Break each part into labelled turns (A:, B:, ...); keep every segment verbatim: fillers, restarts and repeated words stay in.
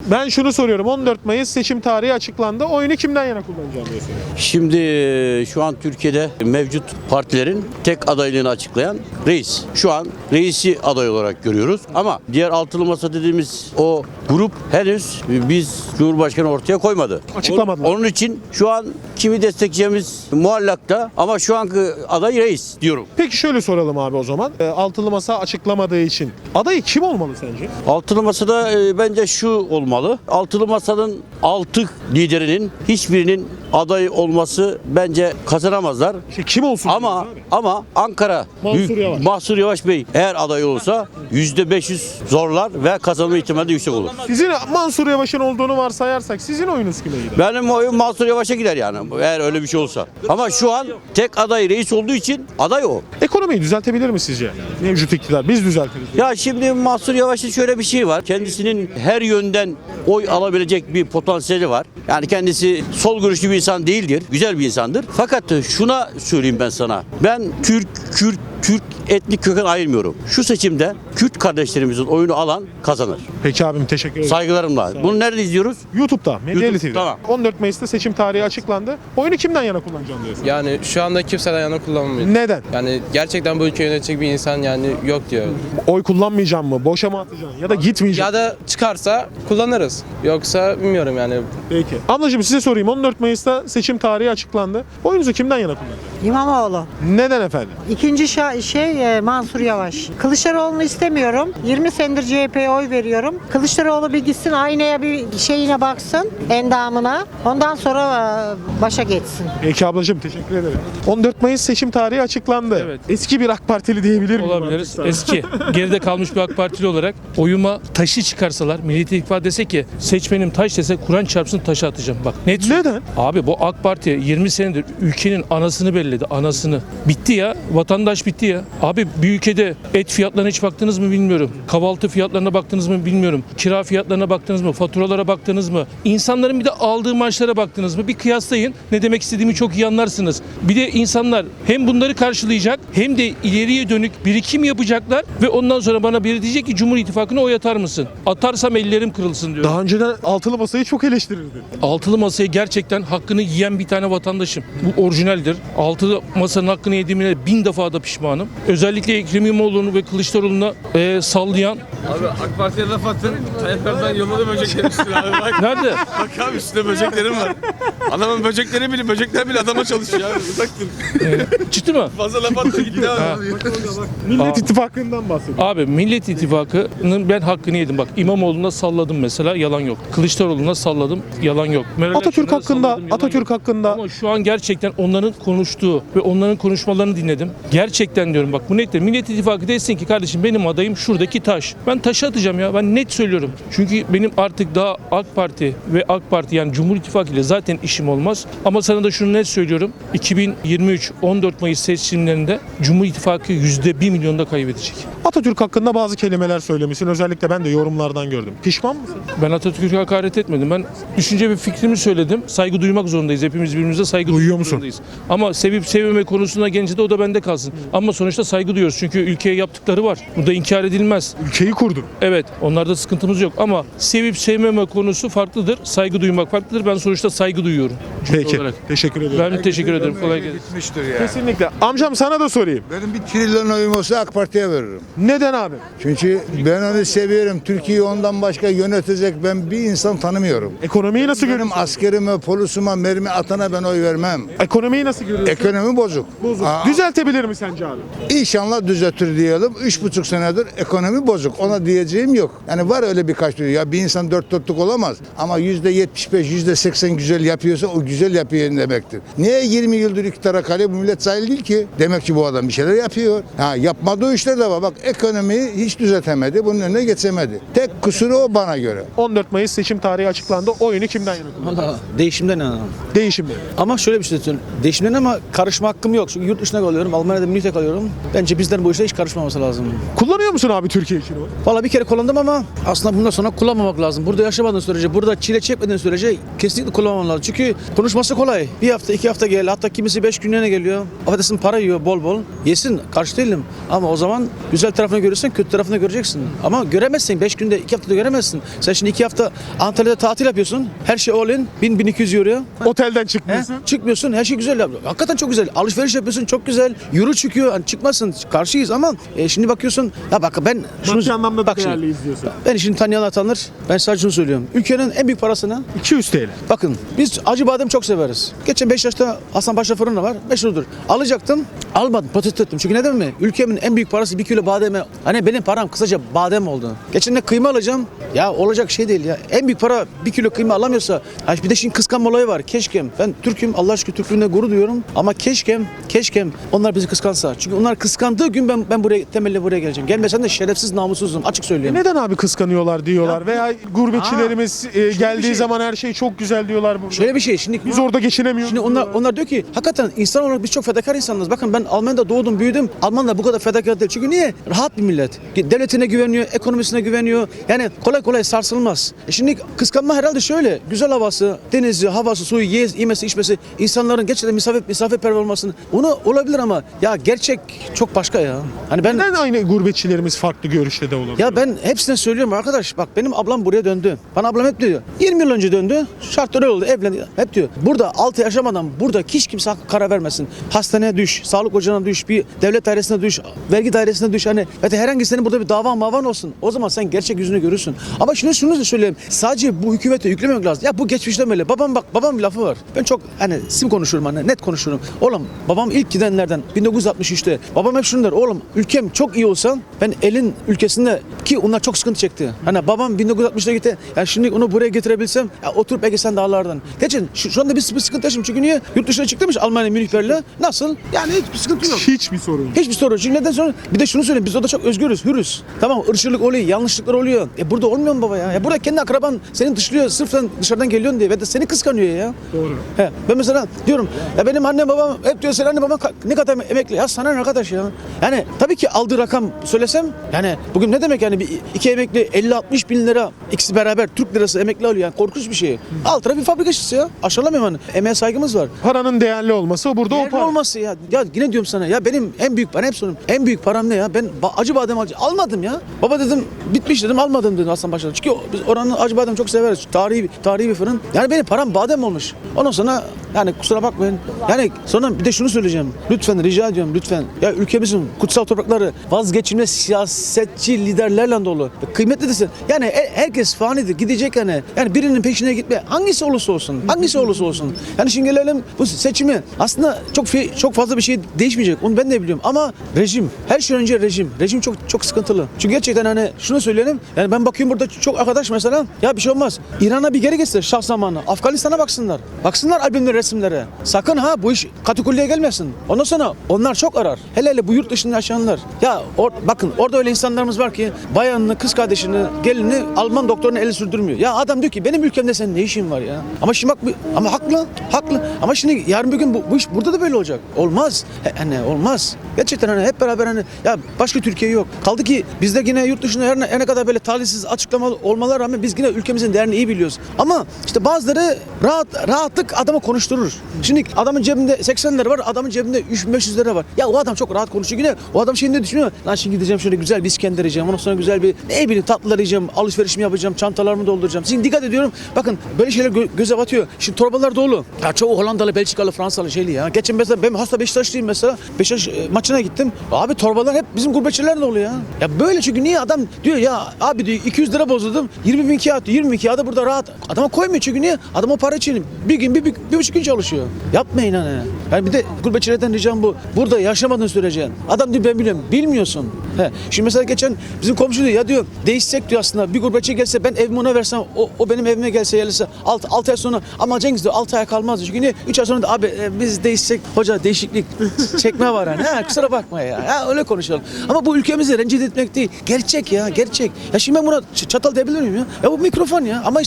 A: Ben şunu soruyorum. on dört Mayıs seçim tarihi açıklandı. Oyunu kimden yana kullanacağım diye soruyorum.
B: Şimdi e, şu an Türkiye'de mevcut partilerin tek adaylığını açıklayan reis. Şu an reisi aday olarak görüyoruz. Ama diğer altılı masa dediğimiz o grup henüz biz Cumhurbaşkanı ortaya koymadı.
A: Açıklamadılar.
B: Onun için şu an kimi destekleyeceğimiz muallakta ama şu anki aday reis diyorum.
A: Peki şöyle soralım abi o zaman. E, altılı masa açıklamadığı için adayı kim olmalı sence?
B: Altılı masada e, bence şu olmalı. Altılı masanın altı liderinin hiçbirinin aday olması bence kazanamazlar.
A: İşte kim olsun?
B: Ama
A: diyoruz abi?
B: ama Ankara
A: Mansur
B: Büyük-
A: Yavaş.
B: Mansur Yavaş Bey eğer aday olursa yüzde beş yüz zorlar ve kazanma ihtimali de yüksek olur.
A: Sizin Mansur Yavaş'ın olduğunu varsayarsak sizin oyunuz kime gider?
B: Benim oyum Mansur Yavaş'a gider yani eğer öyle bir şey olsa. Ama şu an tek aday reis olduğu için aday o.
A: Ekonomiyi düzeltebilir mi sizce? Mevcut iktidar. Biz düzeltiriz.
B: Ya şimdi Mansur Yavaş'ın şöyle bir şey var. Kendisinin her yönden oy alabilecek bir potansiyeli var. Yani kendisi sol görüşlü bir insan değildir. Güzel bir insandır. Fakat şuna söyleyeyim ben sana. Ben Türk, Kürt, Türk etnik köken ayırmıyorum. Şu seçimde Kürt kardeşlerimizin oyunu alan kazanır.
A: Peki abim teşekkür ederim.
B: Saygılarımla. Bunu nerede izliyoruz?
A: YouTube'da, Medyali
B: YouTube,
A: T V'de.
B: tamam.
A: on dört Mayıs'ta seçim tarihi açıklandı. Oyunu kimden yana kullanacağım diyorsun?
C: Yani şu anda kimseden yana kullanmıyor.
A: Neden?
C: Yani gerçekten bu ülkeyi yönetecek bir insan yani yok diyor.
A: Oy kullanmayacağım mı? Boşa mı atacağım? Ya da gitmeyeceğim.
C: Ya da çıkarsa kullanırız. Yoksa bilmiyorum yani.
A: Peki. Ablacığım size sorayım. on dört Mayıs'ta seçim tarihi açıklandı. Oyunuzu kimden yana kullanacaksınız?
D: İmamoğlu.
A: Neden efendim?
D: İkinci şa- şey e, Mansur Yavaş. Kılıçdaroğlu'nu istemiyorum. yirmi senedir C H P'ye oy veriyorum. Kılıçdaroğlu bir gitsin aynaya bir şeyine baksın, endamına. Ondan sonra e, başa geçsin.
A: Peki ablacığım teşekkür ederim. on dört Mayıs seçim tarihi açıklandı.
E: Evet.
A: Eski bir AK Partili diyebilir miyim?
E: Olabiliriz.
A: artık sana?
E: Eski. Geride kalmış bir AK Partili olarak oyuma taşı çıkarsalar, Millet İttifakı dese ki seçmenim taş dese Kur'an çarpsın taşı atacağım. Bak net.
A: Neden?
E: Abi bu AK Parti yirmi senedir ülkenin anasını belledi. Anasını. Bitti ya. Vatandaş bitti ya. Abi bir ülkede et fiyatlarına hiç baktınız mı bilmiyorum. Kahvaltı fiyatlarına baktınız mı bilmiyorum. Kira fiyatlarına baktınız mı? Faturalara baktınız mı? İnsanların bir de aldığı maaşlara baktınız mı? Bir kıyaslayın. Ne demek istediğimi çok iyi anlarsınız. Bir de insanlar hem bunları karşılayacak hem de ileriye dönük birikim yapacaklar ve ondan sonra bana biri diyecek ki Cumhur İttifakı'na oy atar mısın? Atarsam ellerim kırılsın diyor.
A: Daha önceden altılı masayı çok eleştirirdi.
E: Altılı masaya gerçekten hakkını yiyen bir tane vatandaşım. Bu orijinaldir. Altılı masanın hakkını yediğimine bin defa da pişmanım. Özellikle Ekrem İmamoğlu'nu ve Kılıçdaroğlu'na e, sallayan...
F: Abi AK Parti'ye laf attın. Tayyip Erdoğan yolladı böceklerin üstüne abi bak.
E: Nerede?
F: Bak abi üstünde böceklerim var. Adamın böcekleri bile, böcekler bile adama çalışıyor abi. Uzak dur.
E: Çıktı mı?
F: Fazla laf attı gitti abi.
A: Millet İttifakı'ndan bahsediyor.
E: Abi Millet İttifakı'nın ben hakkını yedim. Bak İmamoğlu'na salladım mesela yalan yok. Kılıçdaroğlu'na salladım yalan yok. Meral
A: Atatürk
E: Akşener'e
A: hakkında,
E: salladım, yalan
A: Atatürk
E: yok.
A: hakkında
E: Ama şu an gerçekten onların konuştuğu ve onların konuşmalarını dinledim. Gerçekten diyorum bak bu nettir. Millet İttifakı desin ki kardeşim benim adayım şuradaki taş. Ben taşı atacağım ya. Ben net söylüyorum. Çünkü benim artık daha AK Parti ve AK Parti yani Cumhur İttifakı ile zaten işim olmaz. Ama sana da şunu net söylüyorum. iki bin yirmi üç on dört Mayıs seçimlerinde Cumhur İttifakı yüzde bir milyonda kaybedecek.
A: Atatürk hakkında bazı kelimeler söylemişsin. Özellikle ben de yorumlardan gördüm. Pişman mısın?
E: Ben Atatürk'e hakaret etmedim. Ben düşünce ve fikrimi söyledim. Saygı duymak zorundayız. Hepimiz birbirimize saygı
A: Duyuyor
E: duymak
A: musun?
E: zorundayız. Ama sevip sevmeme konusuna gelince de o da bende kalsın. Ama sonuçta saygı duyuyoruz. Çünkü ülkeye yaptıkları var. Bu da inkar edilmez.
A: Ülkeyi kurdun.
E: Evet, onlarda sıkıntımız yok ama sevip sevmeme konusu farklıdır. Saygı duymak farklıdır. Ben sonuçta saygı duyuyorum. Cümle
A: Peki.
E: olarak.
A: Teşekkür ederim.
E: Ben teşekkür ederim. Kolay gelsin.
G: Gitmiştir yani.
A: Kesinlikle. Amcam sana da sorayım.
G: Benim bir trilyon oyum olsa AK Parti'ye veririm.
A: Neden abi?
G: Çünkü ben onu seviyorum. Türkiye'yi ondan başka yönetecek ben bir insan tanımıyorum.
A: Ekonomiyi nasıl
G: Benim
A: görüyorsun?
G: askerime, polisime, mermi atana ben oy vermem.
A: Ekonomiyi nasıl görüyorsun?
G: Ekonomi bozuk.
A: Bozuk.
G: Aa,
A: Düzeltebilir mi sence abi?
G: İnşallah düzeltir diyelim. Üç buçuk senedir ekonomi bozuk. Ona diyeceğim yok. Yani var öyle birkaç diyor. Ya bir insan dört dörtlük olamaz. Ama yüzde yetmiş beş, yüzde seksen güzel yapıyorsa o güzel yapıyor demektir. Niye yirmi yıldır iktidara kalıyor? Bu millet sahil değil ki. Demek ki bu adam bir şeyler yapıyor. Ha, yapmadığı işler de var. Bak ekonomiyi hiç düzeltemedi. Bunun önüne geçemedi. Tek kusuru o bana göre.
A: on dört Mayıs seçim tarihi açıklandı. Oyunu kimden yana kullanırsın?
H: Valla değişimden inanırım.
A: Değişimden.
H: Ama şöyle bir şey söyleyeyim. Değişimden ama karışma hakkım yok. Çünkü yurt dışına kalıyorum. Almanya'da Münih'te kalıyorum. Bence bizden bu işe hiç karışmaması lazım.
A: Kullanıyor musun abi Türkiye için oy?
H: Valla bir kere kullandım ama aslında bundan sonra kullanmamak lazım. Burada yaşamadığın sürece, burada çile çekmediğin sürece kesinlikle kullanmaman lazım. Çünkü konuşması kolay. Bir hafta, iki hafta gel. Hatta kimisi beş günlerine geliyor. Affedersin para yiyor bol bol. Yesin. Karşı değilim. Ama o zaman güzel tarafını görürsen kötü tarafını göreceksin. Ama göremezsin. Beş günde, iki haftada göremezsin. Sen şimdi iki hafta Antalya'da tatil yapıyorsun. Her şey all in. bin bin iki yüz euro.
A: Otelden
H: He?
A: çıkmıyorsun.
H: Çıkmıyorsun. Her şey güzel. yapıyor. Hakikaten çok güzel. Alışveriş yapıyorsun. Çok güzel. Euro çıkıyor. Hani çıkmasın. Karşıyız ama e, şimdi bakıyorsun. Ya bak ben
A: Maddi anlamda da
H: bak şimdi,
A: değerliyiz diyorsun.
H: ben işini tanıyanlar tanır. Ben sadece şunu söylüyorum. Ülkenin en büyük parasını
A: iki yüz T L.
H: bakın biz acı badem çok severiz. Geçen Beşiktaş'ta Hasan Paşa fırını var. Meşhurdur. Alacaktım. Almadım. Protesto ettim. Çünkü neden mi? Ülkemin en büyük parası bir kilo bademe. Hani benim param kısaca badem oldu. Geçen de kıyma alacağım. Ya olacak şey değil ya. En büyük para bir kilo kıyma alamıyorsa. Ha bir de şimdi kıskanma olayı var. Keşkem. Ben Türk'üm. Allah aşkına Türklüğüne gurur duyuyorum. Ama keşkem, keşkem onlar bizi kıskansa. Çünkü onlar kıskandığı gün ben ben buraya temelli buraya geleceğim. Gelmesen de şerefsiz namussuzum. Açık söylüyorum.
A: Neden abi kıskanıyorlar diyorlar veya gurbetçilerimiz e, geldiği
H: şey-
A: zaman her şey çok güzel diyorlar burada.
H: Şöyle bir şey. Şimdi
A: Biz orada geçinemiyoruz.
H: Şimdi onlar onlar diyor ki hakikaten insan olarak biz çok fedakar insanlarız. Bakın ben Almanya'da doğdum, büyüdüm. Almanlar bu kadar fedakar değil. Çünkü niye? Rahat bir millet. Devletine güveniyor, ekonomisine güveniyor. Yani kolay kolay sarsılmaz. E şimdi kıskanma herhalde şöyle. Güzel havası, denizi, havası, suyu, ye- yemesi, içmesi, insanların gerçekten misafir misafirperver olmasını. Onu olabilir ama ya gerçek çok başka ya. Hani ben
A: Neden aynı gurbetçilerimiz farklı görüşte de olabilir?
H: ya ben hepsine söylüyorum arkadaş bak benim ablam buraya döndü. Bana ablam hep diyor. yirmi yıl önce döndü. Şartlar öyle oldu. Evlendi. Hep diyor. Burada altı yaşamadan burada hiç kimse hakkı karar vermesin. Hastaneye düş, sağlık ocağına düş, bir devlet dairesine düş, vergi dairesine düş. Hani ya da herhangi senin burada bir davan mavan olsun. O zaman sen gerçek yüzünü görürsün. Ama şunu şunu da söyleyeyim. Sadece bu hükümete yüklememek lazım. Ya bu geçmişten böyle. Babam bak babam bir lafı var. Ben çok hani sim konuşurum hani net konuşurum. Oğlum babam ilk gidenlerden bin dokuz yüz altmış üçte. Babam hep şunu der. Oğlum ülkem çok iyi olsa ben elin ülkesinde ki onlar çok sıkıntı çekti. Hani babam bin dokuz yüz altmışta gitti. Yani şimdi onu buraya getirebilsem ya oturup belki sen dağlardan. Geçin şu, şu anda bir, bir sıkıntı yaşıyorum. Çünkü niye? Yurt dışına çıktıymış Almanya, Münih, Berlin. Nasıl? Yani hiçbir sıkıntı yok.
A: Hiçbir sorun yok.
H: Hiçbir sorun. Çünkü neden sonra? Bir de şunu söyleyeyim. Biz orada çok özgürüz, hürüz. Tamam ırkçılık oluyor, yanlışlıklar oluyor. E burada olmuyor mu baba ya? Ya burada kendi akraban seni dışlıyor sırf sen dışarıdan geliyorsun diye ve de seni kıskanıyor ya.
A: Doğru.
H: He, ben mesela diyorum ya benim annem babam hep diyor sen anne babam ka- ne kadar emekli. Ya sana ne arkadaş ya? Yani tabii ki aldığı rakam söylesem yani bugün ne demek yani bir iki emekli elli altmış bin lira ikisi beraber Türk lirası emekli alıyor yani korkunç bir şey. Alt tarafı bir fabrika işçisi ya. Aşağılamayayım hani. Emeğe saygımız var.
A: Paranın değerli olması burada o
H: Değerli
A: para.
H: olması ya. Ya yine diyorum sana ya benim en büyük ben hep soruyorum. En büyük param ne ya? Ben ba- acı badem acı almadım ya. Baba dedim bitmiş dedim almadım dedim Hasan Paşa'da. Çünkü o- biz oranın acı badem çok severiz. Tarihi tarihi bir fırın. Yani benim param badem olmuş. Ondan sonra yani kusura bakmayın. Yani sonra bir de şunu söyleyeceğim. Lütfen rica ediyorum lütfen. Ya ülkemizin kutsal toprakları vazgeçilmez siyasetçi liderlerle dolu. Kıymetli desin. Yani e- herkes fanidir. Gidecek yani. Yani birinin peşine gitme. Hangisi olursa olsun. Hangisi olursa olsun. Yani şimdi gelelim bu seçimi. Aslında çok fi- çok fazla bir şey değişmeyecek. Onu ben de biliyorum. Ama rejim. Her şeyden önce rejim. Rejim çok çok sıkıntılı. Çünkü gerçekten hani şunu söyleyelim. Yani ben bakıyorum burada çok arkadaş mesela. Ya bir şey olmaz. İran'a bir geri geçse şah zamanı. Afganistan'a baksınlar. Baksınlar albümlere, resimlere. Sakın ha bu iş katakulliye gelmesin. Ondan sonra onlar çok arar. Hele hele bu yurt dışında yaşayanlar. Ya or, bakın orada öyle insanlarımız var ki bayanını, kız kardeşini, gelini Alman doktoruna eli sürdürmüyor. Ya adam diyor ki benim ülkemde senin ne işin var ya? Ama şimdi bak ama haklı. Haklı. Ama şimdi yarın bir gün bu, bu iş burada da böyle olacak. Olmaz. He, hani olmaz. Gerçekten hani hep beraber hani ya başka Türkiye yok. Kaldı ki bizde yine yurt dışında her ne, her ne kadar böyle talihsiz açıklamalı olmalar rağmen biz yine ülkemizin değerini iyi biliyoruz. Ama işte bazıları rahat rahatlık adamı konuşturur. Şimdi adamın cebinde seksen lira var, adamın cebinde üç bin beş yüz lira var. Ya o adam çok rahat konuşuyor yine. O adam şimdi ne düşünüyor? Lan şimdi gideceğim şöyle güzel bir İskender yiyeceğim. Ondan sonra güzel bir ne bileyim tatlılar yiyeceğim, alışverişimi yapacağım, çantalarımı dolduracağım. Şimdi dikkat ediyorum. Bakın böyle şeyler gö- göze batıyor. Şimdi torbalar dolu. Ya çoğu Hollandalı, Belçikalı, Fransalı şeyli ya. Geçen mesela ben hasta Beşiktaşlıyım mesela. Beşiktaş e, maçına gittim. Abi torbalar hep bizim gurbetçiler dolu ya. Ya böyle çünkü niye adam diyor ya abi diyor iki yüz lira bozdum. yirmi bin kağıt, yirmi bin kağıda burada rahat. Adama koymuyor çünkü niye? Adam o para için bir gün bir, bir, bir buçuk gün çalışıyor. Yapmayın hani. Yani bir de gurbetçilerden ricam bu. Burada yaşamadığın sürece. Adam diyor ben biliyorum. Bilmiyorsun. He. Şimdi mesela geçen bizim komşu diyor ya diyor değişsek diyor aslında bir gurbetçi gelse ben evimi ona versem o, o benim evime gelse yerlise altı ay sonra ama Cengiz diyor altı ay kalmaz diyor. Çünkü niye? üç ay sonra da abi e, biz değişsek hoca değişiklik çekme var hani. Ha, kusura bakma ya. Ha, öyle konuşalım. Ama bu ülkemizi rencide etmek değil. Gerçek ya gerçek. Ya şimdi ben buna ç- çatal diyebilir miyim ya? Ya bu mikrofon ya. Ama işte insanlar öyle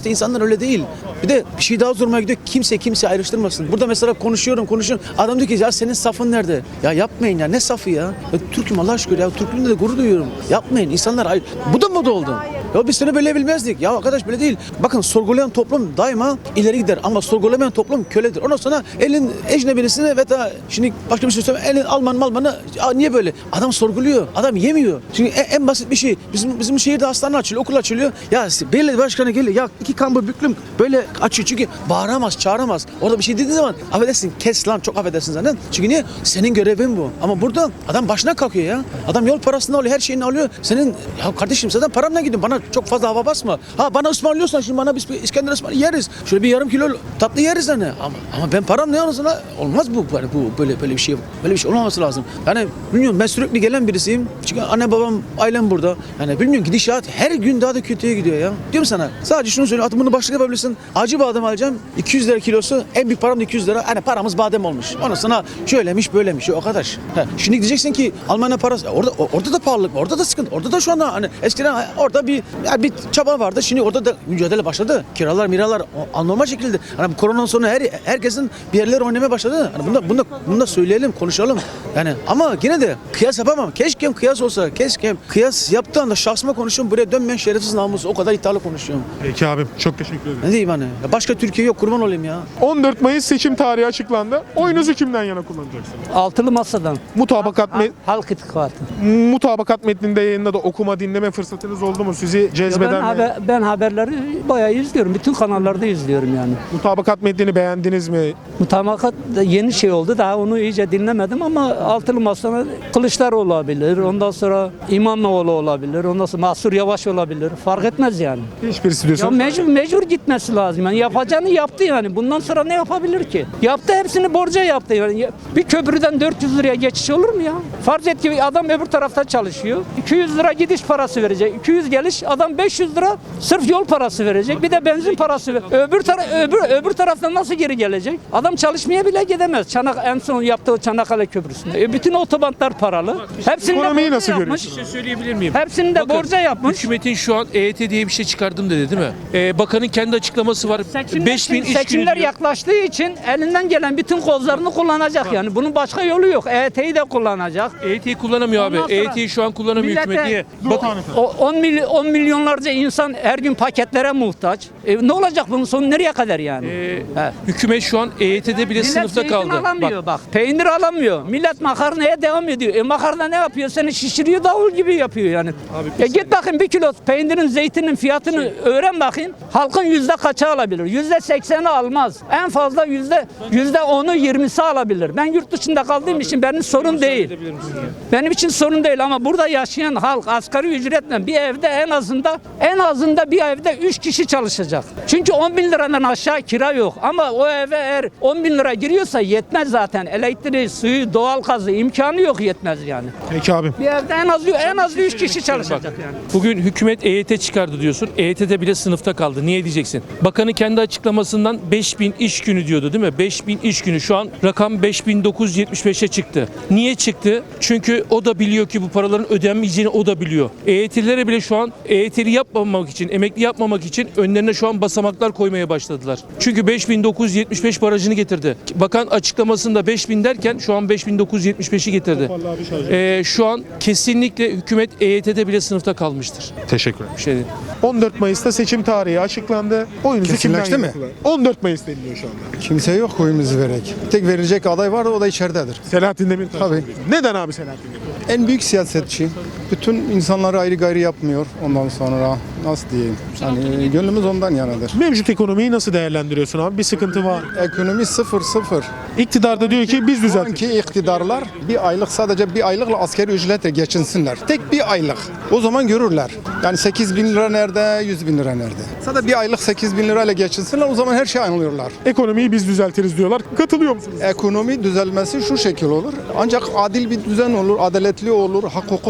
H: öyle değil. Bir de bir şey daha zoruma gidiyor. Kimse kimse ayrıştırmasın. Burada mesela konuşuyorum konuşuyorum. Adam diyor ki ya senin safın nerede? Ya yapmayın ya ne safı ya? Ya Türk'üm Allah şükür ya. Türklüğümle de gurur duyuyorum. Yapmayın. İnsanlar ayrı. Bu da moda oldu. Ya biz seni böyle bilmezdik. Ya arkadaş böyle değil. Bakın sorgulayan toplum daima ileri gider ama sorgulamayan toplum köledir. Ondan sonra elin ecnebilisini ve da şimdi başka bir şey söyleyeyim. Elin Alman Malmanı niye böyle? Adam sorguluyor. Adam yemiyor. Çünkü en, en basit bir şey. Bizim bizim şehirde hastane açılıyor, okul açılıyor. Ya belediye başkanı geliyor. Ya iki kambur büklüm böyle açıyor. Çünkü bağıramaz, çağıramaz. Orada bir şey dediği zaman affedersin kes lan çok affedersin zaten. Çünkü niye? Senin görevin bu. Ama burada adam başına kalkıyor ya. Adam yol parasını alıyor, her şeyini alıyor. Senin ya kardeşim zaten paramla gidiyorsun. Bana çok fazla hava basma. Ha bana ısmarlıyorsan şimdi bana biz İskender ısmar yeriz. Şöyle bir yarım kilo tatlı yeriz hani. Ama ama ben param ne olursa olmaz bu. Yani bu böyle böyle bir şey böyle bir şey olmaması lazım. Yani bilmiyorum ben sürekli gelen birisiyim. Çünkü anne babam ailem burada. Yani bilmiyorum gidişat her gün daha da kötüye gidiyor ya. Diyorum sana. Sadece şunu söyleyeyim. Atımını başlık yapabilirsin. Acı badem alacağım. iki yüz lira kilosu. En büyük param da iki yüz lira. Hani paramız badem olmuş. Ondan sonra şöylemiş böylemiş. O kadar. Ha, şimdi diyeceksin ki Almanya parası. Orada orada da pahalılık. Orada da sıkıntı. Orada da şu anda hani eskiden orada bir yani bir çaba vardı. Şimdi orada da mücadele başladı. Kiralar, miralar anormal şekilde. Hani bu koronadan sonra her herkesin bir yerler oynamaya başladı. Hani bunda bunda bunda söyleyelim, konuşalım. Yani ama yine de kıyas yapamam. Keşke kıyas olsa. Keşke kıyas yaptığı anda şahsıma konuşuyorum. Buraya dönmeyen şerefsiz namus. O kadar iddialı konuşuyorum.
A: Peki abim çok teşekkür ederim.
H: Ne diyeyim hani? Ya başka Türkiye yok. Kurban olayım ya.
A: on dört Mayıs seçim tarihi açıklandı. Oyunuzu kimden yana kullanacaksınız?
I: Altılı masadan.
A: Mutabakat met
I: Halk İttifakı.
A: mutabakat metninde yayında da okuma dinleme fırsatınız oldu mu? Sizi
I: Ya
A: cezbeden
I: Ben,
A: mi?
I: haber, ben haberleri bayağı izliyorum. Bütün kanallarda izliyorum yani.
A: Mutabakat metnini beğendiniz mi?
I: Mutabakat da yeni şey oldu. Daha onu iyice dinlemedim ama altılı masada Kılıçdaroğlu olabilir. Ondan sonra İmamoğlu olabilir. Ondan sonra Mansur Yavaş olabilir. Fark etmez yani.
A: Hiçbirisi
I: Ya
A: diyorsunuz.
I: mecbur, mecbur gitmesi lazım. Yani yapacağını yaptı yani. Bundan sonra ne yapabilir ki? Yaptı hepsini borca yaptı. Yani bir köprüden dört yüz liraya geçiş olur mu ya? Farz et ki adam öbür tarafta çalışıyor. iki yüz lira gidiş parası verecek. iki yüz geliş adam beş yüz lira sırf yol parası verecek. Bir de benzin parası ver. Öbür tara öbür öbür taraftan nasıl geri gelecek? Adam çalışmaya bile gidemez. Çanak en son yaptığı Çanakkale Köprüsü'nde. E bütün otobantlar paralı. Hepsini de
A: Ekonomiyi
I: borca
A: nasıl
I: yapmış.
A: görüyorsunuz?
E: Bir şey söyleyebilir miyim?
I: Hepsini de
E: Bakın,
I: borca yapmış.
E: Hükümetin şu an E Y T diye bir şey çıkardım dedi değil mi? Ee, bakanın kendi açıklaması var.
I: Seçimler,
E: beş bin iş günü
I: seçimler
E: diyor.
I: yaklaştığı için elinden gelen bütün kozlarını kullanacak yani. Bunun başka yolu yok. E Y T'yi de kullanacak.
E: E Y T'yi kullanamıyor abi.
I: Ondan sonra
E: E Y T'yi şu an kullanamıyor
I: millete-
E: hükümet. Niye? Bakın
I: O on, milyon, on milyonlarca insan her gün paketlere muhtaç. E, ne olacak bunun sonu nereye kadar yani?
E: e,
I: He.
E: hükümet şu an E Y T'de bile
I: Millet
E: sınıfta
I: zeytin
E: kaldı.
I: alamıyor bak. Peynir alamıyor. Millet makarnaya devam ediyor. E makarna ne yapıyor? Seni şişiriyor davul gibi yapıyor yani. ya git bakın bir kilo peynirin zeytinin fiyatını öğren bakayın. Halkın yüzde kaçı alabilir? Yüzde sekseni almaz. En fazla yüzde yüzde onu yirmisi alabilir. Ben yurt dışında kaldığım için benim sorun değil. Benim için sorun değil ama burada yaşayan halk asgari ücretle bir evde en azında en azında bir evde üç kişi çalışacak. Çünkü on bin liradan aşağı kira yok. Ama o eve eğer on bin lira giriyorsa yetmez zaten. Elektriği, suyu, doğalgazı imkanı yok yetmez yani.
A: Peki abim.
I: Bir evde en az en az üç kişi çalışacak yani.
E: Bugün hükümet E Y T çıkardı diyorsun. E Y T'de bile sınıfta kaldı. Niye diyeceksin? Bakanı kendi açıklamasından beş bin iş günü diyordu değil mi? beş bin iş günü. Şu an rakam beş bin dokuz yüz yetmiş beşe çıktı. Niye çıktı? Çünkü o da biliyor ki bu paraların ödenmeyeceğini o da biliyor. E Y T'lilere bile şu an E Y T'li yapmamak için, emekli yapmamak için önlerine şu an basamaklar koymaya başladılar. Çünkü beş bin dokuz yüz yetmiş beş barajını getirdi. Bakan açıklamasında beş bin derken şu an beş bin dokuz yüz yetmiş beşi getirdi. Ee, şu an kesinlikle hükümet E Y T'de bile sınıfta kalmıştır.
A: Teşekkür ederim.
E: Bir şey değil.
A: on dört Mayıs'ta seçim tarihi açıklandı. Oyunuzu kimden
J: Kesinleşti
A: yana
J: mi?
A: kullanın? on dört Mayıs deniliyor şu anda.
J: Kimse yok oyumuzu verek. Tek verilecek aday var o da içeridedir.
A: Selahattin Demirtaş.
J: Tabii.
A: Neden abi Selahattin Demirtaş?
J: En büyük siyasetçi. Bütün insanları ayrı gayrı yapmıyor ondan sonra. Nasıl diyeyim? Yani gönlümüz ondan yanadır.
A: Mevcut ekonomiyi nasıl değerlendiriyorsun abi? Bir sıkıntı var.
J: Ekonomi sıfır sıfır.
A: İktidarda diyor ki biz
J: Şu
A: düzelttik.
J: anki iktidarlar bir aylık sadece bir aylıkla askeri ücretle geçinsinler. Tek bir aylık. O zaman görürler. Yani sekiz bin lira nerede, yüz bin lira nerede? Sadece bir aylık sekiz bin lirayla geçinsinler o zaman her şeyi anlıyorlar.
A: Ekonomiyi biz düzeltiriz diyorlar. Katılıyor musunuz?
J: Ekonomi düzelmesi şu şekil olur. Ancak adil bir düzen olur, adaletli olur, hak hukuk olur.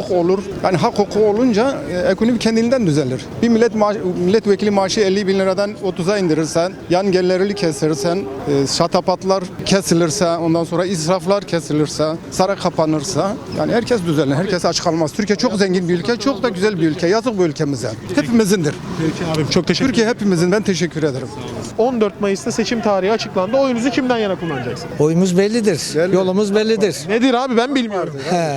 J: Yani hak hukuku olunca e, ekonomi kendiliğinden düzelir. Bir millet maaş, milletvekili maaşı elli bin liradan otuza indirirsen, yan gelirleri kesilirsen, e, şatapatlar kesilirse, ondan sonra israflar kesilirse, saray kapanırsa, yani herkes düzelir, herkes aç kalmaz. Türkiye çok zengin bir ülke, çok da güzel bir ülke. Yazık bu ülkemize. Hepimizindir.
A: Peki abim çok teşekkür
J: Türkiye hepimizin. Ben teşekkür ederim.
A: on dört Mayıs'ta seçim tarihi açıklandı. Oyunuzu kimden yana kullanacaksınız?
K: Oyumuz bellidir. Yolumuz bellidir.
A: Nedir abi ben bilmiyorum.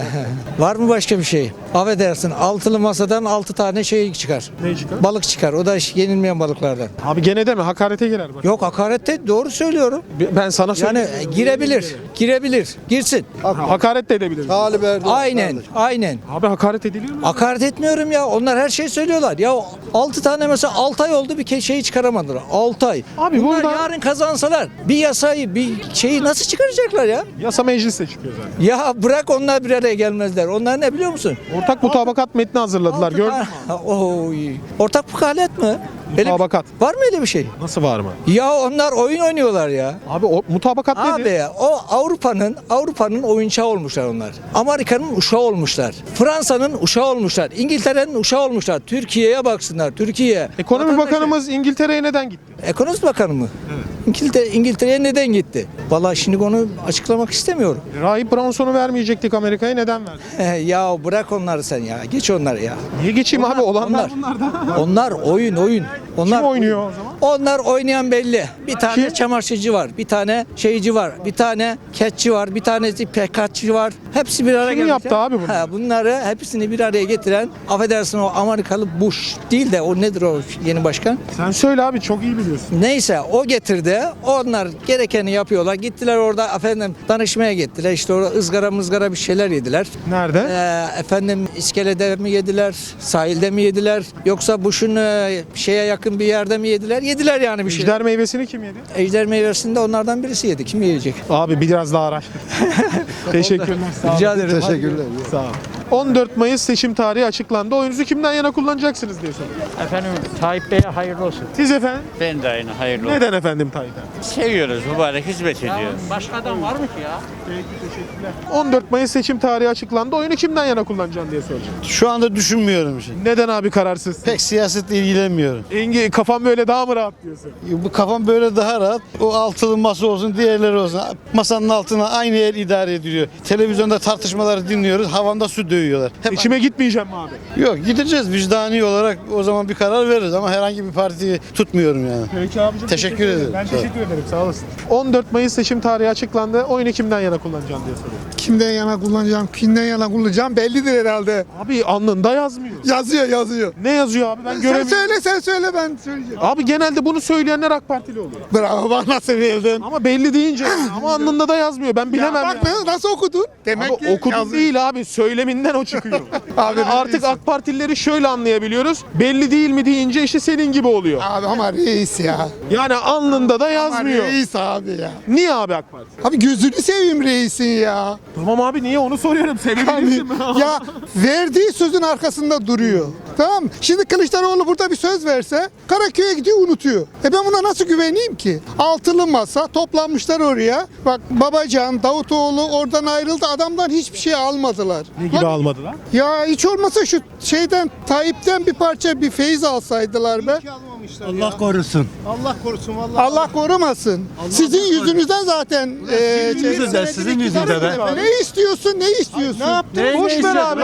K: Var mı başka bir şey? Affedersin, altılı masadan altı tane şey çıkar.
A: Ne çıkar?
K: Balık çıkar. O da yenilmeyen balıklardan.
A: Abi gene deme hakarete girer bak.
K: Yok, hakarette doğru söylüyorum.
A: Ben sana
K: Yani
A: söyleyeyim.
K: girebilir. Girebilir. Girsin.
A: Hakaret de edebilir.
K: Aynen. Aynen.
A: Abi hakaret ediliyor mu?
K: Hakaret etmiyorum ya. Onlar her şeyi söylüyorlar. Ya altı tane mesela altı ay oldu bir ke- şeyi çıkaramadılar. altı ay.
A: Abi
K: Bunlar
A: burada-
K: yarın kazansalar bir yasayı, bir şeyi nasıl çıkaracaklar ya?
A: Yasa mecliste çıkıyor zaten.
K: Ya bırak, onlar bir araya gelmezler. Onlar ne biliyor musun?
A: Ortak mutabakat metni hazırladılar.
K: Altı
A: Gördün mü?
K: tane- Oy. Ortak mukalet mi? Öyle-
A: Mutabakat.
K: Var mı öyle bir şey?
A: Nasıl var mı?
K: Ya onlar oyun oynuyorlar ya.
A: Abi o mutabakat nedir?
K: Abi o Avrupa'nın Avrupa'nın oyuncağı olmuşlar onlar. Amerika'nın uşağı olmuşlar. Fransa'nın uşağı olmuşlar. İngiltere'nin uşağı olmuşlar. Türkiye'ye baksınlar. Türkiye.
A: Ekonomi
K: Vatandaşı-
A: Bakanımız İngiltere'ye neden gitti?
K: Ekonomi Bakanı mı? Evet. İngiltere, İngiltere'ye neden gitti? Vallahi şimdi onu açıklamak istemiyorum.
A: Rahip Branson'u vermeyecektik Amerika'ya, neden verdik?
K: Ya bırak onları sen ya. Geç onları ya.
A: Niye geçeyim abi? Olanlar
K: onlar.
A: bunlar da.
K: Onlar oyun oyun. Onlar
A: Kim oynuyor o zaman?
K: Onlar oynayan belli. Bir tane
A: Kim?
K: çamaşırcı var, bir tane şeyci var, bir tane ketçi var, bir tanesi pekatçı var. Hepsi bir araya
A: Kim
K: gelmiş.
A: yaptı abi bunları?
K: Ha, bunları hepsini bir araya getiren, affedersin, o Amerikalı Bush değil de o nedir o yeni başkan?
A: Sen söyle abi, çok iyi biliyorsun.
K: Neyse o getirdi. Onlar gerekeni yapıyorlar. Gittiler orada efendim danışmaya gittiler. İşte orada ızgara mızgara bir şeyler yediler.
A: Nerede?
K: Ee, efendim iskelede mi yediler, sahilde mi yediler, yoksa Bush'un e, şeye yakın bir yerde mi yediler? Yediler yani bir şey.
A: Ejder meyvesini kim yedi?
K: Ejder meyvesinde onlardan birisi yedi. Kim yiyecek?
A: Abi biraz daha araştır. Teşekkürler. Sağ olun.
K: Rica ederim.
G: Teşekkürler.
A: Sağ olun. on dört Mayıs seçim tarihi açıklandı. Oyunuzu kimden yana kullanacaksınız diye soruyorum.
L: Efendim Tayyip Bey'e hayırlı olsun.
A: Siz efendim?
L: Ben de aynı hayırlı olsun.
A: Neden efendim Tayyip abi?
L: Seviyoruz, mübarek hizmet ediyor.
I: Başka adam var mı ki ya?
A: Peki, teşekkürler. on dört Mayıs seçim tarihi açıklandı. Oyunu kimden yana kullanacaksın diye soracağım.
M: Şu anda düşünmüyorum şey.
A: Neden abi kararsız?
M: Pek siyasetle ilgilenmiyorum.
A: Engi kafam böyle daha mı rahat diyorsun?
M: Bu kafam böyle daha rahat. O altılı masa olsun, diğerleri olsun. Masanın altına aynı el idare ediliyor. Televizyonda tartışmaları dinliyoruz. Havanda su dövüyorlar. Hep
A: İçime gitmeyeceğim mi abi?
M: Yok, gideceğiz vicdani olarak, o zaman bir karar veririz ama herhangi bir partiyi tutmuyorum yani.
A: Peki abicim.
M: Teşekkür ederim.
A: Ben
M: Sağ ol.
A: teşekkür ederim. Sağ olasın. on dört Mayıs seçim tarihi açıklandı. Oyunu kimden yana kullanacaksın diye soruyorum.
J: Kimden yana kullanacağım, kimden yana kullanacağım bellidir herhalde.
A: Abi alnında yazmıyor.
J: Yazıyor, yazıyor.
A: Ne yazıyor abi? Ben
J: Sen
A: göremiyorum.
J: söyle, sen söyle, ben söyleyeceğim.
A: Abi genelde bunu söyleyenler AK Partili oluyor.
J: Bravo, bak nasıl bildin.
A: Ama belli deyince yani. Ama alnında da yazmıyor. Ben bilemem
J: Bak
A: yani.
J: nasıl okudun? Demek
A: Abi okudum değil abi. Söyleminden o çıkıyor.
J: Abi,
A: Yani artık AK Partilileri şöyle anlayabiliyoruz. Belli değil mi deyince işte senin gibi oluyor.
J: Abi ama reis ya.
A: Yani alnında da
J: Ama
A: yazmıyor.
J: reis abi ya.
A: Niye abi AK Parti?
J: Abi gözünü seveyim reisin ya.
A: Tamam abi niye onu soruyorum. Sevebilirsin mi?
J: Ya verdiği sözün arkasında duruyor. Tamam mı? Şimdi Kılıçdaroğlu burada bir söz verse Karaköy'e gidiyor, unutuyor. E ben buna nasıl güveneyim ki? Altılı masa toplanmışlar oraya. Bak Babacan, Davutoğlu oradan ayrıldı. Adamdan hiçbir şey almadılar.
A: Ne gibi almadılar?
J: Ya hiç olmasa şu şeyden Tayyip'ten bir parça bir feyiz alsaydılar be.
M: Allah korusun.
J: Allah korusun vallahi. Allah korumasın. Sizin yüzünüzden zaten e,
M: Sizin yüzünden, sizin yüzünden be.
J: Ne istiyorsun? Ne istiyorsun? Ne yaptın?
A: Boş ver abi.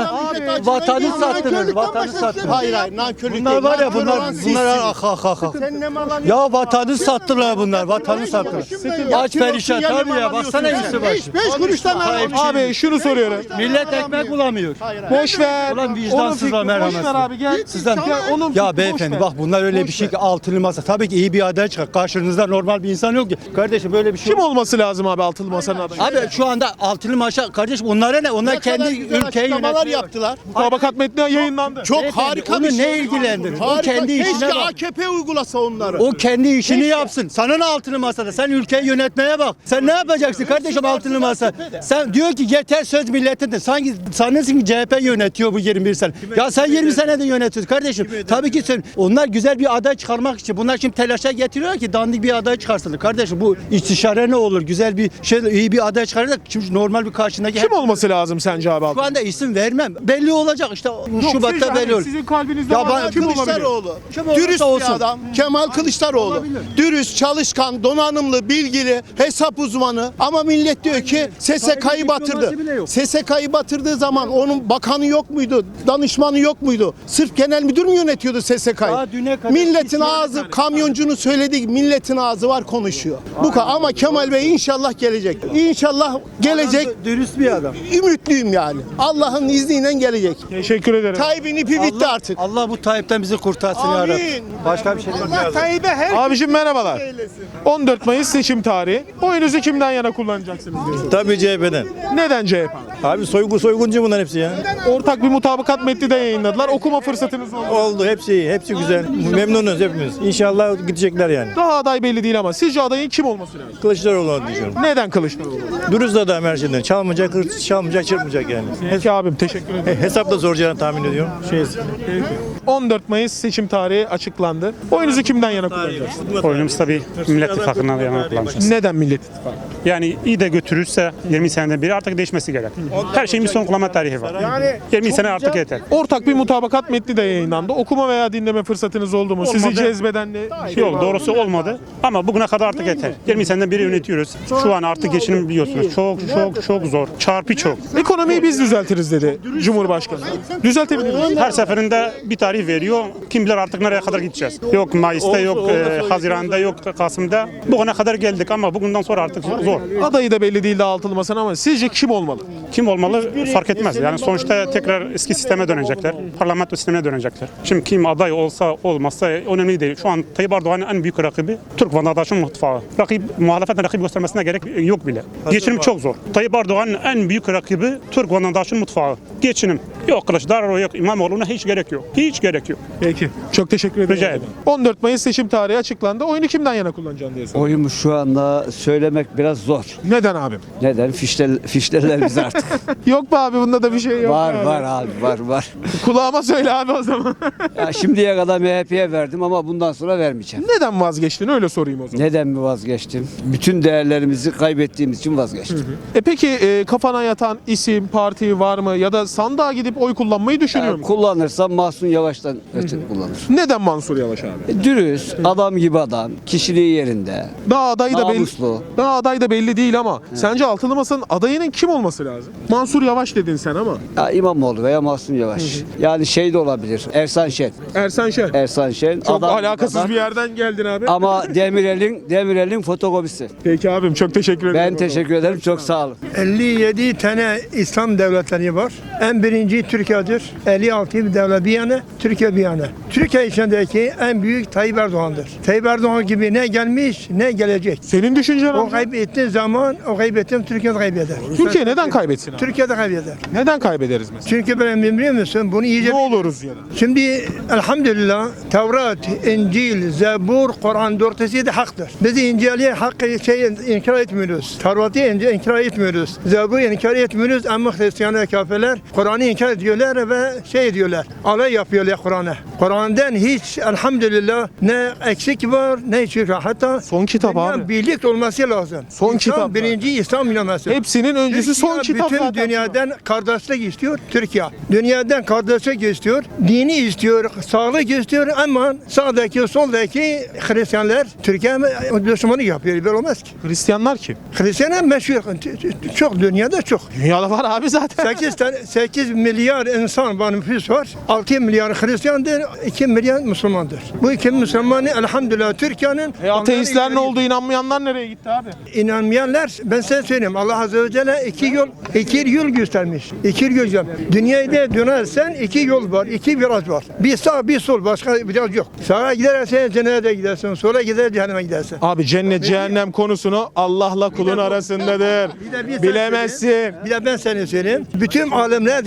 M: Vatanı sattınız, vatanı sattınız. Hayır hayır, bunlar var ya, bunlar bunlar ah ah ah. ah. Ya vatanı sattılar bunlar, vatanı sattılar. Aç perişan tabii ya, baksana iyisi var.
J: Beş, beş kuruştan al.
A: Abi şunu soruyorum.
M: Millet ekmek bulamıyor.
A: Boş ver.
M: Ulan vicdansızlar,
A: Onun fikri-
M: merhametsiz.
A: Boş ver abi gel.
M: Sizden
A: Gel, onun fikri
M: ya
A: boş
M: beyefendi
A: ver.
M: bak, bunlar öyle bir şey ki altılı masa. Tabii ki iyi bir aday çıkar. Karşınızda normal bir insan yok ki. Kardeşim böyle bir şey
A: Kim olması lazım abi altılı masanın adayı?
M: Abi şu anda altılı maşa kardeşim, onlara ne? Onlar kendi ülkeyi yönetiyor.
H: yaptılar.
A: Mutabakat metni yayınlandı.
H: Çok
M: Beyefendi,
H: harika
M: onu
H: bir şey.
M: ne ilgilendirir? O
H: Harika.
M: kendi işine
H: Keşke
M: bak.
H: A K P uygulasa onları.
M: O kendi işini
H: Keşke.
M: yapsın. Sana ne altılı masada? Sen ülkeyi yönetmeye bak. Sen ne yapacaksın kardeşim altılı masa? Sen diyor ki yeter söz milletin de. Sanki sanırsın ki C H P yönetiyor bu yirmi bir sene. Ya sen yirmi senede yönetiyorsun kardeşim. Tabii ki sen, onlar güzel bir bir aday çıkarmak için. Bunlar şimdi telaşa getiriyorlar ki dandik bir aday çıkarsınlar. Kardeşim bu istişare ne olur? Güzel bir şey, iyi bir aday çıkarırlar. Şimdi normal bir karşındaki...
A: Kim olması lazım sence abi?
M: Şu anda isim vermem. Belli olacak işte. Şubat'ta belli olur.
A: Sizin kalbinizde
M: Ya
A: var.
M: ben
A: Kim olabilir?
N: Kılıçdaroğlu.
M: Kim
N: Dürüst
M: olursa
N: bir
M: olsun.
N: adam. Kemal Kılıçdaroğlu.
M: Olabilir.
N: Dürüst, çalışkan, donanımlı, bilgili, hesap uzmanı. Ama millet diyor ki S S K'yı batırdı. S S K'yı batırdığı zaman onun bakanı yok muydu? Danışmanı yok muydu? Sırf genel müdür mü yönetiyordu S S K'yı?
M: Daha düne kadar
N: Milletin
M: isyan
N: ağzı,
M: etmedi.
N: kamyoncunun söylediği milletin ağzı var konuşuyor. Bu kadar. Ama Kemal Bey inşallah gelecek. İnşallah gelecek.
M: Adam dürüst bir adam.
N: Ümitliyim yani. Allah'ın izniyle gelecek.
A: Teşekkür ederim.
N: Tayyip'in ipi bitti artık.
M: Allah bu Tayyip'ten bizi kurtarsın ya
N: Amin.
M: Rabbi. Başka bir şey
N: Allah
M: demiyorum.
N: Tayyip'e her
A: Abicim merhabalar. on dört Mayıs seçim tarihi. Oyunuzu kimden yana kullanacaksınız diyorsunuz?
M: Tabii C H P'den.
A: Neden C H P?
M: Abi soygun soyguncu bunlar hepsi ya.
A: Ortak bir mutabakat metni de yayınladılar. Okuma fırsatınız oldu.
M: Oldu hepsi iyi, hepsi güzel. Memnunuz hepimiz. İnşallah gidecekler yani.
A: Daha aday belli değil ama sizce adayın kim olması lazım?
M: Kılıçdaroğlu'nu düşünüyorum.
A: Neden Kılıçdaroğlu?
M: Dürüst adam her şeyden. Çalmayacak, hırsız çalmayacak, çırpmayacak yani.
A: Peki abim teşekkür ederim.
M: Hesap da soracağını tahmin ediyorum. Şey,
A: on dört Mayıs seçim tarihi açıklandı. Oyunuzu kimden yana kullanacaksınız?
O: Oyunumuz tabii Millet İttifakı'na yana kullanacağız.
A: Neden Millet İttifakı?
O: Yani iyi de götürürse yirmi seneden beri artık değişmesi gerek. Her şeyin bir son kullanma tarihi var. yirmi sene artık yeter.
A: Ortak bir mutabakat metni de yayınlandı. Okuma veya dinleme fırsatınız oldu mu? Sizi
O: Olmadı.
A: cezbeden ne?
O: Yok doğrusu olmadı ama bugüne kadar artık yeter. yirmi seneden beri yönetiyoruz. Şu an artık geçinim biliyorsunuz. Çok çok çok zor. Çarpı çok.
A: Ekonomiyi biz düzeltiriz dedi Cumhurbaşkanı. Düzeltebilir miyiz?
O: Her seferinde bir tarih veriyor. Kim bilir artık nereye kadar gideceğiz. Yok Mayıs'ta, yok e, Haziran'da, yok Kasım'da. Bugüne kadar geldik ama bugünden sonra artık zor.
A: Adayı da belli değil daha altılı masanın ama sizce kim olmalı?
O: Kim olmalı fark etmez. Yani sonuçta tekrar eski sisteme dönecekler. Parlamento sistemine dönecekler. Şimdi kim aday olsa olmazsa önemli değil. Şu an Tayyip Erdoğan'ın en büyük rakibi Türk vatandaşın mutfağı. Rakip, muhalefetin rakip göstermesine gerek yok bile. Geçinim çok zor. Tayyip Erdoğan'ın en büyük rakibi Türk vatandaşın mutfağı. Geçinim. Yok Kılıçdaroğlu yok İmamoğlu'na hiç gerek yok. Hiç gerek yok.
A: Peki. Çok teşekkür ederim.
O: Rica ederim.
A: on dört Mayıs seçim tarihi açıklandı. Oyunu kimden yana kullanacaksın diye soruyorum.
P: Oyumu şu anda söylemek biraz zor.
A: Neden abim?
P: Neden? Fişler, fişlerler biz artık.
A: Yok be abi bunda da bir şey yok.
P: var
A: abi.
P: var abi var var.
A: Kulağıma söyle abi o zaman.
P: Ya şimdiye kadar M H P'ye verdim ama bundan sonra vermeyeceğim.
A: Neden vazgeçtin öyle sorayım o zaman.
P: Neden mi vazgeçtim? Bütün değerlerimizi kaybettiğimiz için vazgeçtim.
A: E peki e, kafana yatan isim, parti var mı ya da sandığa gidip oy kullanmayı düşünüyor
P: Ya,
A: musun?
P: kullanırsam Mahsun Yavaş'tan ötürü kullanır.
A: Neden Mansur Yavaş abi?
P: E, Dürüst, adam gibi adam, kişiliği yerinde.
A: Daha aday da belli.
P: Namuslu.
A: Daha aday da belli değil ama sence altılı masanın adayının kim olması lazım? Mansur Yavaş dedin sen ama.
P: Ya İmamoğlu veya Mahsun Yavaş. Yani şey de olabilir. Ersan Şen.
A: Ersan Şen.
P: Ersan Şen.
A: Çok
P: adam gibi
A: alakasız
P: adam.
A: bir yerden geldin abi.
P: Ama Demirel'in Demirel'in fotokopisi.
A: Peki abim çok teşekkür ederim.
P: Ben teşekkür ederim. Çok sağ olun.
J: elli yedi tane İslam devletleri var. En birinci Türkiye'dir. elli altı bir devlet bir yana, Türkiye bir yana. Türkiye içindeki en büyük Tayyip Erdoğan'dır. Tayyip Erdoğan gibi ne gelmiş ne gelecek.
A: Senin düşüncen
J: O
A: abi.
J: kaybettiği zaman o kaybettiğim Türkiye'de kaybeder.
A: Türkiye neden kaybetsin abi?
J: Türkiye'de kaybeder.
A: Neden kaybederiz mesela?
J: Çünkü ben biliyor musun bunu iyice...
A: Ne oluruz ya da?
J: Şimdi elhamdülillah Tevrat, İncil, Zebur, Kur'an dörtüsü de haktır. Biz İncil'i hakkı şey inkar etmiyoruz. Tevrat'ı inc- inkar etmiyoruz. Zebur'u inkar etmiyoruz ama Hristiyanlar, kafirler Kur'an'ı inkar ediyorlar ve şey diyorlar. Alay yapıyorlar Kur'an'a. Kur'an'dan hiç elhamdülillah ne eksik var ne eksik var. Hatta
A: son kitap abi.
J: Birlik olması lazım.
A: Son
J: İslam,
A: kitap.
J: birinci İslam inaması.
A: Hepsinin öncüsü
J: Türkiye
A: son kitap
J: bütün
A: zaten.
J: dünyadan kardeşlik istiyor Türkiye. Dünyadan kardeşlik istiyor. Dini istiyor. Sağlık istiyor ama sağdaki soldaki Hristiyanlar Türkiye Müslümanı yapıyor. Böyle olmaz ki.
A: Hristiyanlar kim?
J: Hristiyanlar meşhur. Çok dünyada çok.
A: Dünyada var abi zaten.
J: sekiz tane sekiz milyar insan var, nüfus var. altı milyar Hristiyandır, iki milyar Müslümandır. Bu iki Müslümanı elhamdülillah Türkiye'nin
A: E, ateistler ne oldu? İnanmayanlar nereye gitti abi?
J: İnanmayanlar, ben size söyleyeyim, Allah Azze ve Celle iki yol, iki yol göstermiş. İki yol göstermiş. Dünyada dönersen iki yol var, iki viraj var. Bir sağ, bir sol, başka viraj yok. Sağa gidersen cennete gidersin, sola gider cehenneme gidersin.
A: Abi cennet cehennem konusunu Allah'la kulun arasındadır.
J: Bir de bir sen
A: Bilemezsin.
J: söyleyeyim, Bir de ben sana söyleyeyim. Bütün alimler demişler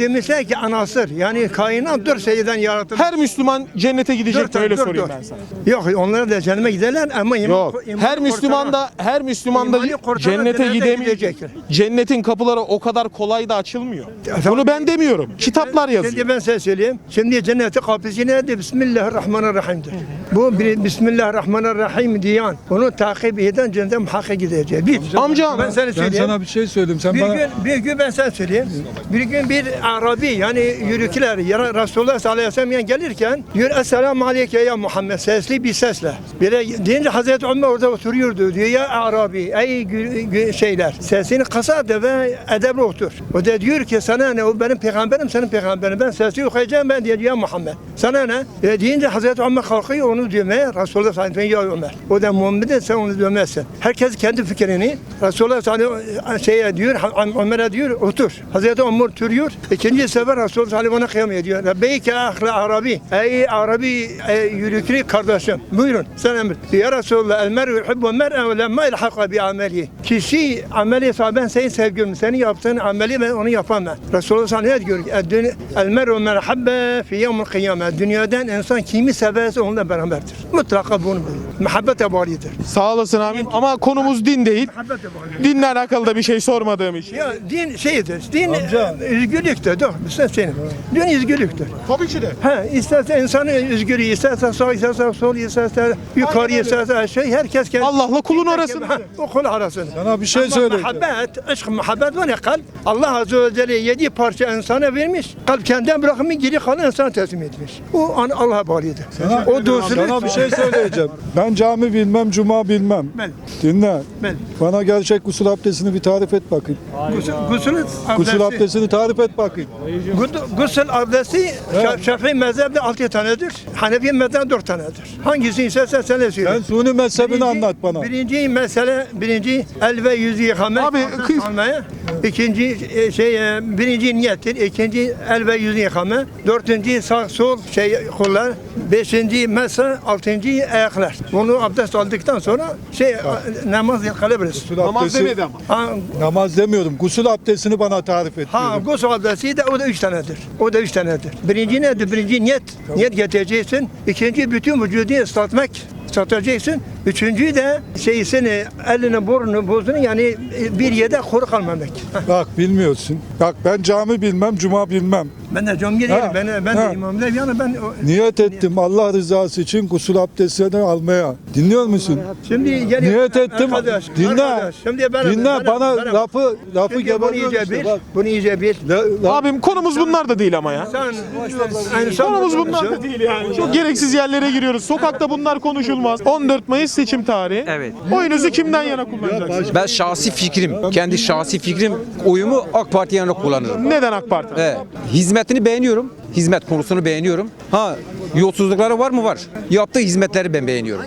Q: tek anasır. Yani kainat dört şeyden yaratılmış.
A: Her Müslüman cennete gidecek
Q: Dört,
A: mi? Öyle
Q: dört,
A: sorayım
Q: dört.
A: ben sana.
Q: Yok onlar da cennete giderler ama iman,
A: Yok.
Q: imanı
A: Her Müslüman
Q: kurtaran-
A: da her Müslüman da
Q: İmanı kurtaran
A: cennete
Q: cennete
A: gidemeyecek.
Q: gidecektir.
A: Cennetin kapıları o kadar kolay da açılmıyor.
Q: tamam.
A: Bunu ben demiyorum. Kitaplar yazıyor.
Q: Şimdi ben size söyleyeyim. Şimdi cennetin kapısı nedir? Bismillahirrahmanirrahim'dir. Bu bir Bismillahirrahmanirrahim diyen, onu takip eden cennete muhakkak gidecek. Bir.
A: Amcam
Q: ben sana söyleyeyim.
M: bir şey söyleyeyim. Sen
Q: bir gün, bir gün ben sana söyleyeyim. Bir gün bir Arabi yani yürükler ya Resulullah sallallahu aleyhi ve sellem gelirken diyor Esselamu aleyke ya Muhammed sesli bir sesle. Böyle deyince Hazreti Ömer orada oturuyordu diyor ya Arabi ey gü- gü- şeyler sesini kısa ve edebli otur. O da diyor ki sana ne o benim peygamberim senin peygamberin ben sesli okuyacağım ben diyor ya Muhammed. Sana ne? E, deyince Hazreti Ömer kalkıyor onu dövmeye Resulullah sallallahu aleyhi ve sellem ya Ömer. O da Muhammed'e sen onu dövmezsin. Herkes kendi fikrini Resulullah sallallahu aleyhi ve sellem şeye diyor Ömer'e diyor otur. Hazreti Ömer oturuyor. İkinci sefer Resulullah sallallahu aleyhi ve sellem kıyam ediyor. Rabbeyke ahli Arabi. Ey Arabi ey yürüklü kardeşim. Buyurun sen emir. Ya Resulullah el mer'u yuhibbu mer'e ve lemma ilhaka bi ameli. Kişi ameli sahiben senin sevgilim. Senin yaptığın ameli ben onu yapamam. Resulullah sallallahu aleyhi ve sellem diyor. El mer'u men habbe fi yevmil kıyamet. Dünyadan insan kimi severse onunla beraberdir. Mutlaka bunu bilir. Muhabbete bağlıdır.
A: Sağ olasın abim ama konumuz din değil. Dinle alakalı da bir şey sormadığım için.
Q: Ya din şeydir. Din üzgünlüktür. Dur, sen senin. Din üzgünlüktür.
A: Tabii ki de.
Q: Ha, isterse insanın üzgürü, isterse sağ, isterse sol, isterse yukarı, isterse şey, herkes kendi...
A: Allah'la kulun arasında.
Q: Ha, o kul arasında.
M: Sana bir şey
Q: Ama
M: söyleyeceğim.
Q: muhabbet, aşk, muhabbet var ya kalp. Allah Azze ve Celle yedi parça insana vermiş. Kalp kendinden bırakmış, geri kalan insana teslim etmiş. O an Allah'a bağlıdır. O dostluk...
M: Sana bir şey söyleyeceğim. Ben cami bilmem, cuma bilmem.
Q: Ben,
M: Dinle.
Q: ben.
M: Bana gerçek gusül abdestini bir tarif et bakayım.
Q: Gusül, gusül
M: Gusül
Q: abdesti.
M: abdestini tarif et bakayım.
Q: Gusül- Gusül abdesti Şaf- Şafii mezhebinde altı tanedir. Hanefi mezhebinde dört tanedir. Hangisini istersen sen de söyle.
M: Sen Suni mezhebini anlat bana.
Q: Birinci mesele, birinci el ve yüzü yıkamak.
A: Abi,
Q: abdest
A: kız-
Q: almaya. İkinci e, şey, e, birinci niyettir. İkinci el ve yüzü yıkama. Dördüncü sağ sol şey kollar. Beşinci mesa, altıncı ayaklar. Bunu abdest aldıktan sonra şey namaz kılabiliriz.
M: Gusül
A: Namaz
M: abdesti-
A: demedi ama.
Q: Ha,
M: Namaz demiyorum. Gusül abdestini bana tarif et.
Q: Ha,
M: diyorum.
Q: gusül abdesti de o da üç tanedir. O da üç tanedir. Birinci nedir? Birinci niyet. Niyet getireceksin. İkinci bütün vücudu ıslatmak. Islatacaksın. Üçüncü de şeysini, elini, burnunu, buzunu yani bir yerde kuru kalmamak. Hah.
M: Bak bilmiyorsun. Bak ben cami bilmem, cuma bilmem.
Q: Ben de camiye değilim.
M: Ha,
Q: Ben, ben
M: ha.
Q: de imam değilim. Yani ben o-
M: Niyet ettim Allah rızası için gusül abdestini almaya. Dinliyor musun?
Q: Şimdi geliyor.
M: Niyet ettim.
Q: Arkadaş,
M: Dinle.
Q: arkadaş. Şimdi ben,
M: Dinle
Q: ben-
M: bana
Q: ben-
M: lafı lafı
Q: Şimdi bunu
M: geberiyorsun
Q: iyice
M: işte.
Q: bil.
M: Bak.
Q: Bunu iyice bil.
M: La- la-
A: Abim konumuz bunlar da değil ama ya.
Q: Sen, yani sen
A: Konumuz bunlar da değil yani. Çok gereksiz yerlere giriyoruz. Sokakta bunlar konuşulmaz. on dört Mayıs seçim tarihi.
R: Evet.
A: Oyunuzu kimden yana kullanacaksınız?
R: Ben şahsi fikrim, kendi şahsi fikrim oyumu AK Parti'ye yana kullanırım.
A: Neden AK Parti?
R: Evet. Hizmetini beğeniyorum. Hizmet konusunu beğeniyorum. Ha, yolsuzlukları var mı? Var. Yaptığı hizmetleri ben beğeniyorum.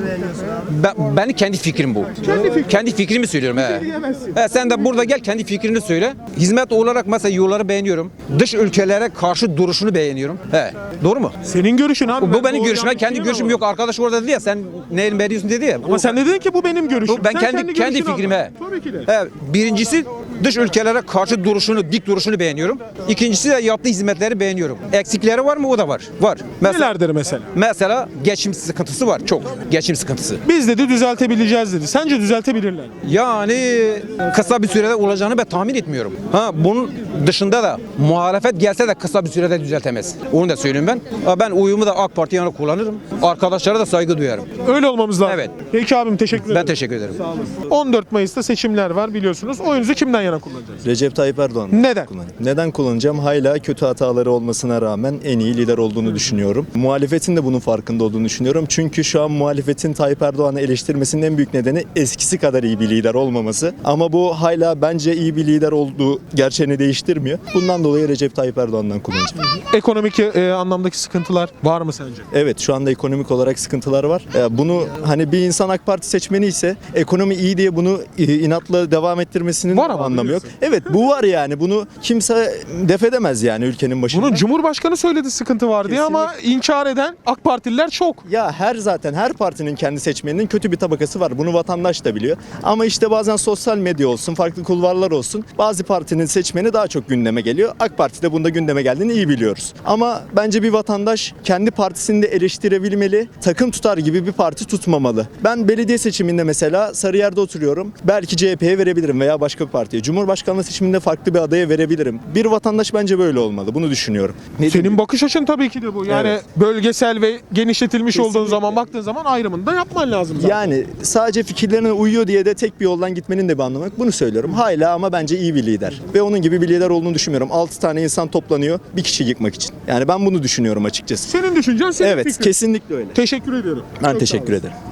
R: Ben, benim kendi fikrim bu. Kendi, fikrimi söylüyorum. He. He, sen de burada gel kendi fikrini söyle. Hizmet olarak mesela yolları beğeniyorum. Dış ülkelere karşı duruşunu beğeniyorum. He. Doğru mu?
A: Senin görüşün abi.
R: Bu
A: Ben
R: benim
A: doğru
R: görüşüm.
A: yanlış
R: Kendi
A: bilemem
R: görüşüm
A: ama.
R: yok. Arkadaş orada dedi ya sen neyin beğeniyorsun dedi ya.
A: Ama sen de dedin ki bu benim görüşüm.
R: Bu ben
A: Sen
R: kendi kendi
A: görüşünü
R: fikrimi.
A: anlat.
R: he.
A: Tabii ki de.
R: He, birincisi dış ülkelere karşı duruşunu, dik duruşunu beğeniyorum. İkincisi de yaptığı hizmetleri beğeniyorum. Eksikleri var mı? O da var. Var. Mesela,
A: Nelerdir mesela?
R: mesela geçim sıkıntısı var. Çok. Geçim sıkıntısı.
A: Biz dedi düzeltebileceğiz dedi. Sence düzeltebilirler mi?
R: Yani kısa bir sürede olacağını ben tahmin etmiyorum. Ha, bunun dışında da muhalefet gelse de kısa bir sürede düzeltemez. Onu da söyleyeyim ben. Ha, ben oyumu da AK Parti'ye yana kullanırım. Arkadaşlara da saygı duyarım.
A: Öyle olmamız lazım.
R: Evet.
A: Peki abim teşekkür ederim.
R: Ben teşekkür ederim.
A: on dört Mayıs'ta seçimler var biliyorsunuz. Oyunuzu kimden yana kullanacaksınız?
S: Recep Tayyip Erdoğan.
A: Neden?
S: Neden kullanacağım? Hala kötü hataları olmasına rağmen en iyi lider olduğunu düşünüyorum. Muhalefetin de bunun farkında olduğunu düşünüyorum. Çünkü şu an muhalefetin Tayyip Erdoğan'ı eleştirmesinin en büyük nedeni eskisi kadar iyi bir lider olmaması. Ama bu hala bence iyi bir lider olduğu gerçeğini değiştirmiyor. Bundan dolayı Recep Tayyip Erdoğan'dan kullanacağım.
A: Ekonomik e, anlamdaki sıkıntılar var mı sence?
S: Evet, şu anda ekonomik olarak sıkıntılar var. E, Bunu hani bir insan AK Parti seçmeni ise ekonomi iyi diye bunu e, inatla devam ettirmesinin
A: Var ama
S: anlamı yok.
A: biliyorsun.
S: Evet, bu var yani. Bunu kimse def edemez yani ülkenin başında.
A: Bunun Cumhurbaşkanı söyledi sıkıntı var diye ama inkar eden AK Partililer çok.
S: Ya her zaten her partinin kendi seçmeninin kötü bir tabakası var. Bunu vatandaş da biliyor. Ama işte bazen sosyal medya olsun, farklı kulvarlar olsun. Bazı partinin seçmeni daha çok çok gündeme geliyor. AK Parti'de bunda gündeme geldiğini iyi biliyoruz. Ama bence bir vatandaş kendi partisini de eleştirebilmeli. Takım tutar gibi bir parti tutmamalı. Ben belediye seçiminde mesela Sarıyer'de oturuyorum. Belki C H P'ye verebilirim veya başka bir partiye. Cumhurbaşkanlığı seçiminde farklı bir adaya verebilirim. Bir vatandaş bence böyle olmalı. Bunu düşünüyorum. Ne
A: Senin bakış açın tabii ki de bu. Yani
S: Evet.
A: bölgesel ve genişletilmiş
S: Kesinlikle.
A: olduğun zaman baktığın zaman ayrımını da yapman lazım zaten.
S: Yani sadece fikirlerine uyuyor diye de tek bir yoldan gitmenin de bir anlamı yok. Bunu söylüyorum. Hala ama bence iyi bir lider. Ve onun gibi bir lider olduğunu düşünmüyorum. altı tane insan toplanıyor bir kişi yıkmak için. Yani ben bunu düşünüyorum açıkçası.
A: Senin düşüncen senin
S: Evet,
A: fikrin.
S: kesinlikle öyle.
A: Teşekkür ediyorum.
S: Ben
A: Çok sağ
S: teşekkür
A: olasın.
S: ederim.